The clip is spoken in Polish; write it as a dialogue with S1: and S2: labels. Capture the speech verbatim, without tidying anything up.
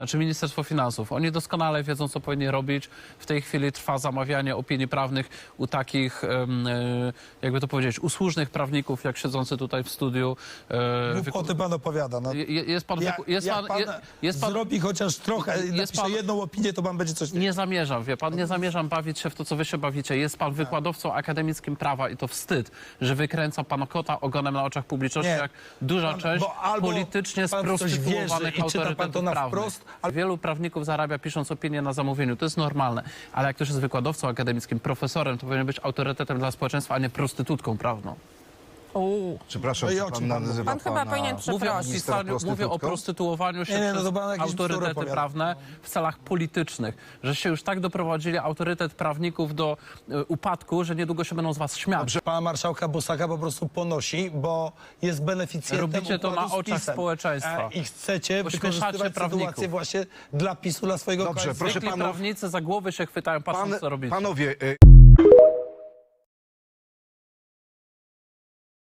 S1: Znaczy Ministerstwo Finansów. Oni doskonale wiedzą, co powinni robić. W tej chwili trwa zamawianie opinii prawnych u takich, jakby to powiedzieć, usłużnych prawników, jak siedzący tutaj w studiu.
S2: O tym pan opowiada. No.
S1: Jest pan...
S2: Jak,
S1: jest
S2: jak
S1: pan,
S2: pan,
S1: jest pan
S2: zrobi chociaż trochę,
S1: jest
S2: napisze
S1: pan,
S2: jedną opinię, to pan będzie coś...
S1: Nie zamierzam, wie pan, nie zamierzam bawić się w to, co wy się bawicie. Jest pan wykładowcą akademickim prawa i to wstyd, że wykręca pan kota ogonem na oczach publiczności,
S2: Nie.
S1: jak duża
S2: Pan-
S1: część
S2: bo albo
S1: politycznie
S2: pan w coś
S1: sprostytuowanych
S2: wierzy i czyta pan to
S1: autorytetów
S2: na
S1: prawnych.
S2: wprost,
S1: Wielu prawników zarabia pisząc opinię na zamówieniu, to jest normalne, ale jak ktoś jest wykładowcą akademickim, profesorem, to powinien być autorytetem dla społeczeństwa, a nie prostytutką prawną.
S3: Uuu.
S4: Przepraszam,
S2: No i
S4: czy
S2: o
S4: pan
S2: czym pan
S4: nazywa
S3: Pan chyba
S4: pana
S3: powinien
S1: Mówię o,
S3: przeprosić.
S4: ministra
S1: pisaniu, mówię o
S4: prostytutką?
S1: prostytuowaniu się
S2: Nie, nie, no
S1: przez
S2: to pan jakieś bzdury
S1: autorytety
S2: opowiada.
S1: prawne w celach politycznych, że się już tak doprowadzili autorytet prawników do y, upadku, że niedługo się będą z was śmiać.
S2: Dobrze, pana marszałka Bosaka po prostu ponosi, bo jest beneficjentem
S1: Robicie to
S2: układu
S1: na
S2: z
S1: oczach
S2: PiS-em.
S1: społeczeństwa.
S2: E, I chcecie
S1: Ośmieszacie
S2: wykorzystywać
S1: prawników.
S2: sytuację właśnie dla PiSu, dla swojego
S4: Dobrze,
S2: koalicji.
S4: proszę
S1: Zwykli
S4: panów-
S1: prawnicy za głowy się chwytają, patrząc,
S4: Pan,
S1: co robicie.
S4: panowie... Y